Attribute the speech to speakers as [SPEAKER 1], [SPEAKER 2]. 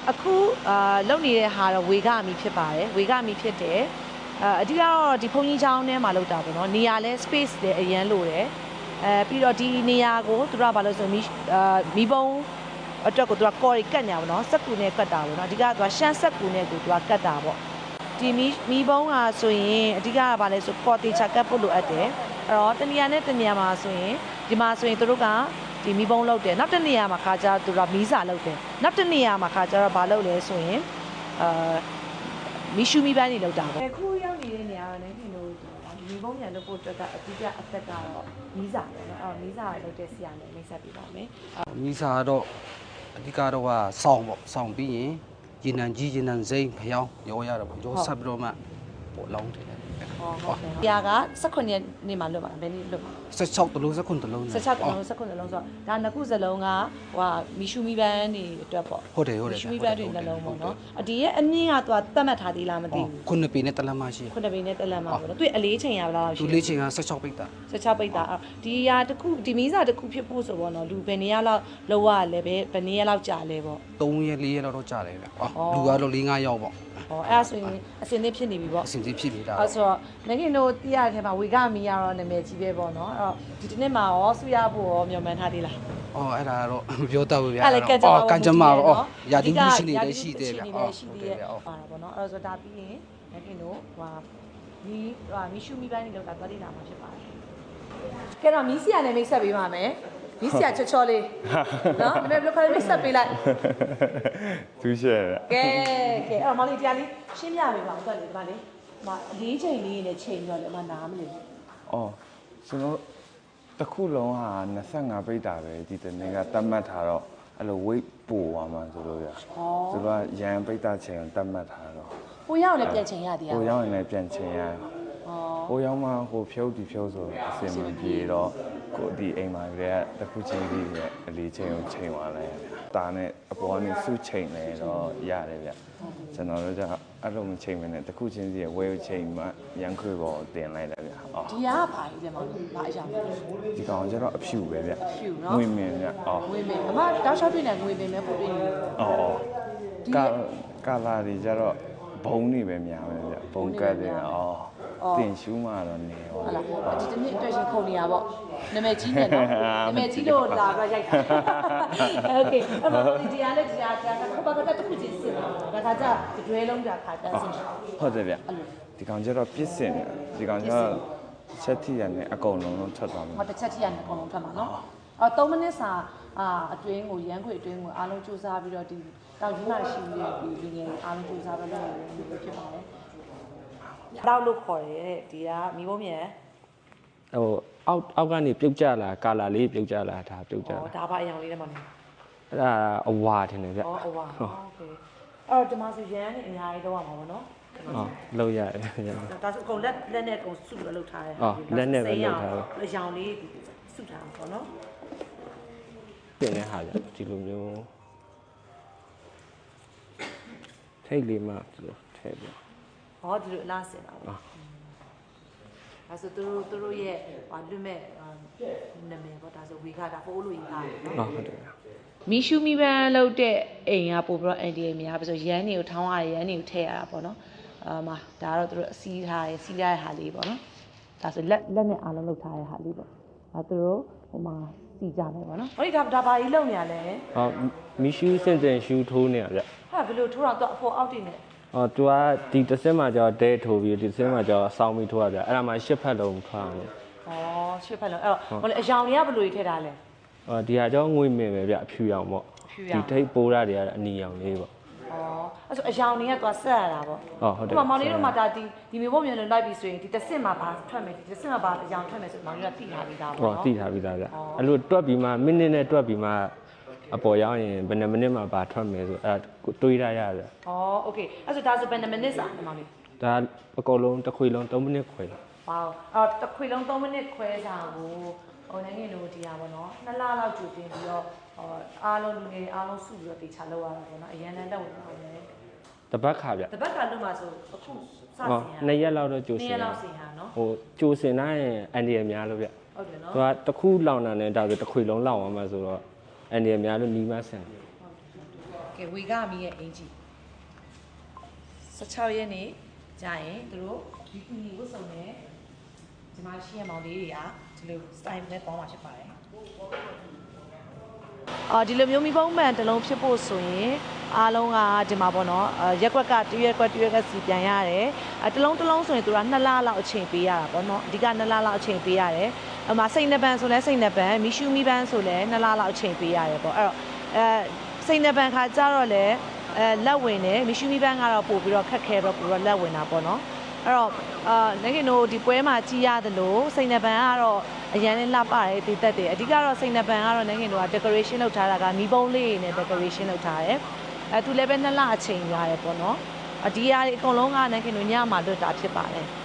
[SPEAKER 1] အခုလုံနေတဲ့ဟာတော့ဝေကမီဖြစ်ပါတယ်ဝေကမီဖြစ်တယ်အဓိကတော့ဒီဖုန်ကြီးချောင်းထဲမှာလောက်တာပေါ့နော်နေရာလဲ space လဲအရန်လိုတယ်ပြီးတော့ဒီနေရာကိုသူတို့ကဘာလို့ဆိုမီးပုံးအတွက်ကိုသူကကော်ရီကတ်ညာပေါ့နော်စက်ကူနဲ့ကတ်တာပေါ့နော်အဓိကသူကရှမ်းစက်ကူနဲ့ကိုသူကကတ်တာပေါ့ဒီမီးပုံးကဆိုရင်အဓိကကဘာလဲဆိုကော်တီချာကတ်ဖို့လိုအပ်တယ်အဲ့တော့တနေရာနဲ့တနေရာမှာဆိုရင်ဒီမှာဆိုရင်သူတို့ကဒီမီးပုံးလောက်တယ်နောက်တစ်နေရာမှာခါကြသူကမီးစာလောက်တယ်နောက်တစ်နေရာမှာခါကြတော့ဘာလုပ်လဲဆိုရင်မီရှူမီပန်းနေလောက်တာပေါ့အခုရောက်နေတဲ့နေရာကလည်းဒီလိုမီးပုံးညာလုပ်ဖို့အတွက်ကအဓိကအသက်ကတော့မီးစာပေါ့နော်အဲ့တော့မီးစာလောက်တဲ့ဆရာနဲ့မိတ်ဆက်ပြပါမယ်
[SPEAKER 2] မီးစာတော့အဓိကတော့ကစောင်းပေါ့စောင်းပြီးရင်ရေနံကြီးရေနံစိမ့်ဖျောင်းရောရတော့ပေါ့ရောဆက်ပြီးတော့မှပေါ့လောင်းတယ်
[SPEAKER 1] ဟုတ်ကဲ့။တရားက18ရက်နေ့မှလွတ်ပါဘယ်နေ့လွတ်ပါ
[SPEAKER 2] 16တလုံး19တလုံး
[SPEAKER 1] 16တလုံး19တလုံးဆိုတော့ဒါနှစ်ခုစလုံးကဟိုမီရှူမီပန်းနေအတွက်ပေါ့
[SPEAKER 2] ဟုတ်တယ်
[SPEAKER 1] မီရှူမီပန်းတွေနှလုံးပေါ့နော်ဒီရဲ့အမြင့်ကသူကသတ်မှတ်ထားသေးလားမသိဘူး
[SPEAKER 2] ခုနှစ်ပေနဲ့တလက်မရှိ
[SPEAKER 1] ခုနှစ်ပေနဲ့တလက်မပေါ့နော်သူအလေးချိန်ရဘလား
[SPEAKER 2] ရှိသူလေးချိန်က16ပိတ်တာ
[SPEAKER 1] 16ပိတ်တာဒီရာတစ်ခုဒီမီးစာတစ်ခုဖြစ်ဖို့ဆိုပေါ့နော်လူဘယ်နေရာလောက်လောက်ရလဲဘယ်နေရာလောက်ကြာလဲပေါ့
[SPEAKER 2] 3ရက်4ရက်လောက်တော့ကြာတယ်ဗျလူကတော့4-5ယောက်ပေါ့
[SPEAKER 1] အဲ့ဒါဆိုရင်အစင်းသေးဖြစ်နေပြီပေါ့
[SPEAKER 2] အစင်းသေးဖြစ်နေတာ
[SPEAKER 1] အဲ့ဆိုတော့ငငယ်တို့တီးရတဲ့ထဲမှာဝေကမီကတော့နာမည်ကြီးပဲပေါ့နော်အဲ့တော့ဒီတစ်နေ့မှာရောဆူရဖို့ရောမျှော်မှန်းထားသေးလား
[SPEAKER 2] အဲ့ဒါကတော့မပြောတတ်ဘူးဗျာ
[SPEAKER 1] ကန်ကြမှာ
[SPEAKER 2] ပေါ့ရာဒီမှုရှိနေတယ်ရှိတယ်ဗျာ
[SPEAKER 1] ရှိသေးတယ်ပါတာပေါ့နော်အဲ့ဆိုဒါပြီးရင်ငငယ်တို့မီရှူမီပိုင်းနေလောက်တာသွားတိလာမှာဖြစ်ပါတယ်ကဲတော့မီးစီယာနဲ့မိတ်ဆက်ပေးပါမယ်မီးစီယာချောချောလေးနော်ဒါပေမဲ့ဘယ်လိုခေါ်လဲမိတ်ဆက်ပေးလိုက်
[SPEAKER 3] သူရှယ်
[SPEAKER 1] ကဲအဲ့မလေးတရားလေးရှင်းပြပေးပါဦးတော်လေးဒီမှာလေး၄ချိန်လေးနဲ့ချိန်ပြီးတော့လည်းနားမလို့
[SPEAKER 3] ကျွန်တော်တစ်ခုလုံးဟာ25ပိတ်တာပဲဒီတနေ့ကတတ်မှတ်ထားတော့အဲ့လို weight ပို့သွားမှာဆိုလို့ရသူကရန်ပိတ်တာချိန်တတ်မှတ်ထားတော့
[SPEAKER 1] ဟိုရောက်လည်းပြန်ချိန်ရသေးရ
[SPEAKER 3] ဟိုရောက်ရင်လည်းပြန်ချိန်ရဟိုရောက်မှဟိုဖြုတ်ဒီဖြုတ်ဆိုအစင်မပြေတော့ကိုဒီအိမ်မှာကလေးကတစ်ခုချင်းပြီးအလေးချိန်ကိုချိန်သွားလိုက်တာနဲ့အပေါ်ကနေစုချိန်နေတော့ရတယ်ဗျကျွန်တော်တို့ကအဲ့လိုမချိန်မနဲ့တစ်ခုချင်းစီဝဲချိန်မှရန်ခွေပေါ်တင်လိုက်တယ်ဗျ
[SPEAKER 1] ဒီကဘာကြီးလဲမဘာအရာ
[SPEAKER 3] ဒီကောင်ကျတော့အဖြူပဲဗျ
[SPEAKER 1] ဖြူနော်
[SPEAKER 3] ငွေမင်းဗျ
[SPEAKER 1] ငွေမင်းအမတောက်လျှောက်တွေ့နေငွေမင်းပဲပို့တွေ့နေ
[SPEAKER 3] ကာလာတွေကျတော့ဘုံနေပဲများပဲဗျဘုံကတ်တယ်တင်ရှူးမှတော့နေ
[SPEAKER 1] ဟုတ်လားဒီတနေ့အတွက်ရှင်ခုန်နေရပေါ့နာမည်ကြီးနေနော်နာမည်ကြီးလို့လာပြီးရိုက်တာโอเคအဲ့တော့ဒီတရားနဲ့တရားခုပါကတော့တစ်ခုချင်းစစ်တာဒါကကြတွဲလုံးကြာခါတန်းစစ်
[SPEAKER 3] ဟုတ်တယ်ဗျဒီကောင်ကျတော့ပြစ်စင်ဒီကောင်ကျတော့ချက်ထီရနဲ့အကုန်လုံးထွက်သွားမှာ
[SPEAKER 1] ဟုတ်တစ်ချက်ထီရနဲ့အကုန်လုံးထွက်မှာနော်3မိနစ်စာအတွင်းကိုရန်ခွေအတွင်းကိုအားလုံးစူးစမ်းပြီးတော့ဒီတောက်ကြီးမှရှိနေတဲ့ဒီလူငယ်အားလုံးစူးစမ်းပြီးတော့ဖြစ်ပါတယ်တောက်လို့ခေါ်တယ်ဒီကမီးဘုံမြန်
[SPEAKER 2] ဟိုအောက်ကနေပြုတ်ကြလာကာလာလေးပြုတ်ကြလာဒါပြုတ်ကြလာ
[SPEAKER 1] ဒါပါအယောင်လေးထဲမှာနေ
[SPEAKER 2] အဲ့ဒါအဝါထင်တယ်ဗျ
[SPEAKER 1] အဝါโอเคအဲ့တော့ဒီမှာဆိုရန်နေအများကြီးတော့မှာပေါ့နော်
[SPEAKER 2] လောက်ရတယ်
[SPEAKER 1] ဒါဆိုအကုန်လက်နဲ့အကုန်စုပြီးလောက်ထားတယ်
[SPEAKER 2] လက်နဲ့ပဲလောက်ထားတယ်
[SPEAKER 1] အယောင်လေးစုထားပါပေါ့နော်
[SPEAKER 2] ပြင်နေဟာကြဒီလိုမျိုးထိတ်လေးမှဒီလိုထဲပြ
[SPEAKER 1] ဒီလိုအလားစင်တာပေါ့ဒါဆိုသူတို့ရဲ့လွတ်မဲ့နာမည်ပေါ့ဒါဆိုဝေခတာဟိုးလို့ရေးထားတယ်နော်
[SPEAKER 2] ဟုတ်တယ်
[SPEAKER 1] မီရှူမီပန်းလုပ်တဲ့အိမ်ကပို့ပြီးတော့အန်ဒီများပြီးဆိုရန်တွေကိုထောင်းရရန်တွေကိုထည့်ရတာပေါ့နော်ဒါကတော့သူတို့စီးထားရစီးရတဲ့ဟာလေးပေါ့နော်ဒါဆိုလက်နဲ့အားလုံးလုပ်ထားတဲ့ဟာလေးပေါ့သူတို့ဟိုမှာစီးကြမယ်ပေါ့နော်ဟိုဒီဒါဘာကြီးလုပ်နေရလဲ
[SPEAKER 2] မီရှူစင်ရှူထိုးနေရဗျ
[SPEAKER 1] ဟာဘယ်လိုထိုးတော့သူအပေါ်အောက်တင်နေ
[SPEAKER 2] သူကဒီတစ်စင်းမှာကျတော့တဲထိုးပြီးဒီတစ်စင်းမှာကျတော့အဆောင်ပြီးထိုးရပြအဲ့ဒါမှ10ဖက်လုံးထွားအောင်
[SPEAKER 1] 10ဖက်လုံးအဲ့တော့အယောင်တွေကဘယ်လိုထည့်ထားလဲ
[SPEAKER 2] ဒီဟာကျတော့ငွေမင်းပဲဗျအဖြူရောင်ပေါ့ဒီထိတ်ပိုးရတွေကအနီရောင်လေးပေါ့
[SPEAKER 1] အဲ့ဆိုအယောင်တွေကသူကဆက်ရတာပေါ့
[SPEAKER 2] ဟုတ်တယ်
[SPEAKER 1] မောင်လေးတို့မှဒါဒီမျိုးပုံမျိုးလုံးလိုက်ပြီးဆိုရင်ဒီတစ်စင်းမှာဘာထွက်မယ်ဒီတစ်စင်းမှာဘာအယောင်ထွက်မယ်ဆိုမောင်လေးကသိထားပြီးသားပေါ့နော်
[SPEAKER 2] သိထားပြီးသားဗျအဲ့လိုတွက်ပြီးမှမိနစ်နဲ့တွက်ပြီးမှအပေါ်ရောက်ရင်ဘယ်နှမိနစ်မှဘာထွက်မယ်ဆိုအဲ့ဒါတွေးရရတယ်
[SPEAKER 1] โอเคအဲ့ဆိုဒါဆိုဘယ်နှမိနစ်စာမောင်လေး
[SPEAKER 2] ဒါအကုန်လုံးတစ်ခွေလုံး3မိနစ်ခွဲ
[SPEAKER 1] ဝေါအဲ့တစ်ခွေလုံး3မိနစ်ခွဲစာကိုဟိုနိုင်ငံတို့ဒီဟာပေါ့နော်2လလောက်ကြိုတင်ပြီးတော့အားလုံးလူငယ်အားလုံးစုပြီးတော့တေချာလောက်ရတာပေါ့နော်အရန်တန်းတက်ဝင်ပါမယ်
[SPEAKER 2] တပတ်ခါဗျ
[SPEAKER 1] တပတ်ခါလို့မှဆိုအခုစစင်
[SPEAKER 2] 2ရက်လောက်တော့ကြိုစင်
[SPEAKER 1] 2ရက်လောက်စင်ဟာနော်
[SPEAKER 2] ဟိုကြိုစင်တိုင်းအန်ဒီရများလို့ဗျ
[SPEAKER 1] ဟုတ်တယ်နော်
[SPEAKER 2] သူကတစ်ခုလောင်တာနဲ့ဒါဆိုတစ်ခွေလုံးလောင်အောင်မှဆိုတော့အန်ဒီရများလို့နီးမဆင်
[SPEAKER 1] ကကဲဝေကမီရဲ့အင်ကြီး16ရက်နေ့ကြာရင်သူတို့ဒီကူညီဝတ်စုံနဲ့ဒီမှာရှိရမောင်လေးတွေကဒီလို style နဲ့ပေါင်းမှာဖြစ်ပါတယ်ဒီလိုမျိုးမိဘုံမှန်တစ်လုံးဖြစ်ဖို့ဆိုရင်အားလုံးကဒီမှာပေါ့နော်ရက်ကွက်ကတရွက်ကစီပြန်ရတယ်တစ်လုံးဆိုရင်သူက2လလောက်အချိန်ပေးရတာပေါ့နော်အဓိက2လလောက်အချိန်ပေးရတယ်အမှစိတ်နှပန်ဆိုလဲစိတ်နှပန်မီရှူမီပန်းဆိုလဲ2လလောက်အချိန်ပေးရတယ်ပေါ့အဲ့တော့စိတ်နှပန်ခါကြတော့လဲလက်ဝင်တယ်မီရှူမီပန်းကတော့ပို့ပြီးတော့ခက်ခဲတော့ပို့တော့လက်ဝင်တာပေါ့နော်အဲ့တော့နိုင်ခင်တို့ဒီပွဲမှာကြီးရတယ်လို့စိတ်နှပန်ကတော့အရန်လေးလှပတယ်တည်သက်တယ်အဓိကတော့စိတ်နှပန်ကတော့နိုင်ခင်တို့က decoration လုပ်ထားတာကမီးပုံးလေးနဲ့ decoration လုပ်ထားတယ်သူလည်းပဲ2လအချိန်ရတယ်ပေါ့နော်ဒီဟာတွေအကုန်လုံးကနိုင်ခင်တို့ညမှာလွတ်တာဖြစ်ပါတယ်